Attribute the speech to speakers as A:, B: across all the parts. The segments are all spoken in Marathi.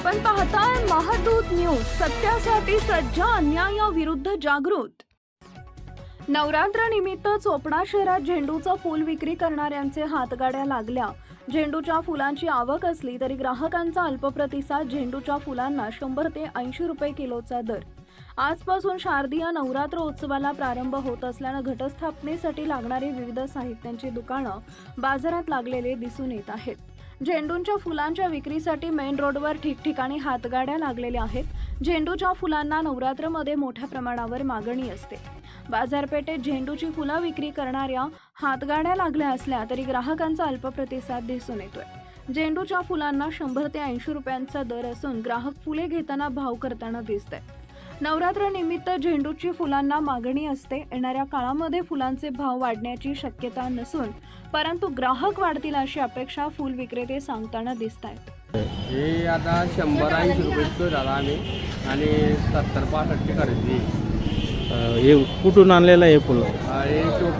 A: आपण पाहताय महादूत न्यूज, सत्यासाठी सज्ज, अन्यायाविरुद्ध जागृत। नवरात्र निमित्त चोपडा शहरात झेंडूचं फूल विक्री करणाऱ्यांचे हातगाड्या लागल्या। झेंडूच्या फुलांची आवक असली तरी ग्राहकांचा अल्प प्रतिसाद। झेंडूच्या फुलांना 100 ते 80 रुपये किलोचा दर। आजपासून शारदीय नवरात्र उत्सवाला प्रारंभ होत असल्याने घटस्थापनेसाठी लागणारी विविध साहित्यांची दुकानं बाजारात लागलेले दिसून येत आहेत। झेंडूच्या फुलांच्या विक्रीसाठी मेन रोडवर ठिकठिकाणी हातगाड्या लागलेल्या आहेत। झेंडूच्या फुलांना नवरात्रमध्ये मोठ्या प्रमाणावर मागणी असते। बाजारपेठेत झेंडूची फुलं विक्री करणाऱ्या हातगाड्या लागल्या असल्या तरी ग्राहकांचा अल्प प्रतिसाद दिसून येतोय। झेंडूच्या फुलांना 100 ते 80 रुपयांचा दर असून ग्राहक फुले घेताना भाव करताना दिसत आहेत। नवरात्र निमित्त झेंडूची फुलांना मागणी असते। येणाऱ्या काळामध्ये फुलांचे भाव वाढण्याची शक्यता नसून परंतु ग्राहक वाढतील अशी अपेक्षा फुल विक्रेते सांगताना दिसत आहेत।
B: हे आता 100-80 रुपये झाला आम्ही आणि 70-65 खरेदी।
C: हे कुठून आणलेलं आहे फुलं?
B: हे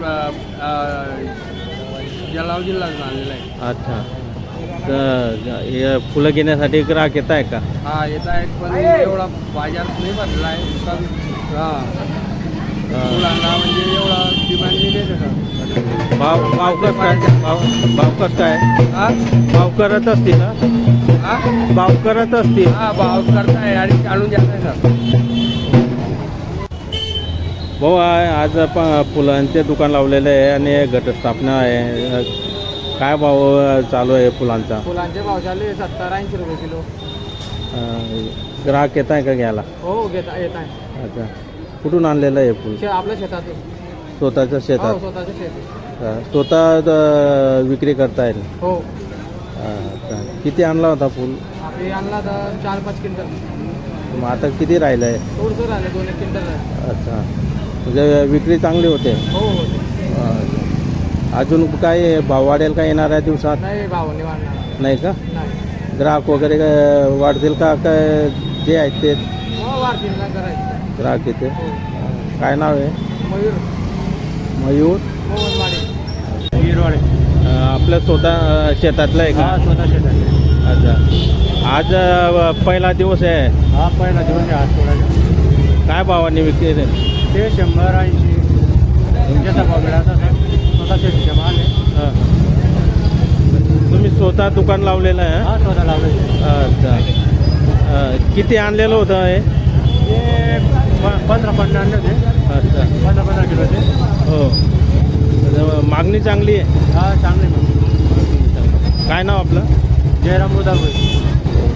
B: जळगाव जिल्ह्यातून आणलेलं आहे।
C: अच्छा, तर हे फुलं घेण्यासाठी ग्राहक येत आहे का?
B: हा, येत आहेत, पण एवढा बाजार नाही भरला आहे। फुलांना म्हणजे एवढा डिमांड नाही देत का?
C: भाव कसं काय? भाव कसं काय? भाव करत असतील ना? भाव करत असतील?
B: हा, भाव करताय आणि आणून जात आहे सर।
C: भाऊ, आज आपण फुलांचे दुकान लावलेलं आहे आणि घटस्थापना आहे। काय भाव चालू आहे फुलांचा?
B: फुलांचे भाव चालू आहे 70-80 रुपये किलो।
C: ग्राहक येत आहे का घ्यायला?
B: हो, येत आहे।
C: अच्छा, कुठून आणलेलं आहे फुल?
B: आपल्या शेतातून।
C: स्वतःच्या शेतात?
B: स्वतःच्या शेतात।
C: स्वतः विक्री करता येईल?
B: हो।
C: अच्छा, किती आणला होता फुल?
B: आपली आणला तर 4-5 क्विंटल।
C: मग आता किती राहिलं आहे?
B: थोडंसं राहिलं, 2-1 क्विंटल राहिलं।
C: अच्छा, म्हणजे विक्री चांगली होते?
B: हो हो।
C: अजून काय भाव वाढेल का येणाऱ्या दिवसात?
B: नाही, भाव नाही वाढणार।
C: नाही का?
B: नाही।
C: ग्राहक वगैरे वाढतील का? काय जे आहेत ते
B: वाढतील ना, करायचं
C: ग्राहक येते? काय नाव आहे?
B: मयूर
C: मयूर
B: गिरवाडे।
C: आपलं स्वतः शेतातलं आहे का?
B: स्वतः शेतात।
C: अच्छा, आज पहिला दिवस आहे?
B: हा, पहिला दिवस आहे आज थोडा।
C: काय भावाने विक्री?
B: ते 100-80 तुमच्या भाव मिळाला सर। स्वतः शेतीच्या माल आहे।
C: तुम्ही स्वतः दुकान लावलेलं आहे?
B: हा, स्वतः लावलं।
C: अच्छा, किती आणलेलं होतं हे?
B: ते 15 आणले होते।
C: अच्छा,
B: 15 किलोचे।
C: हो, मागणी चांगली आहे?
B: हा, चांगली मग।
C: काय नाव आपलं?
B: जयराम मुदागुळे।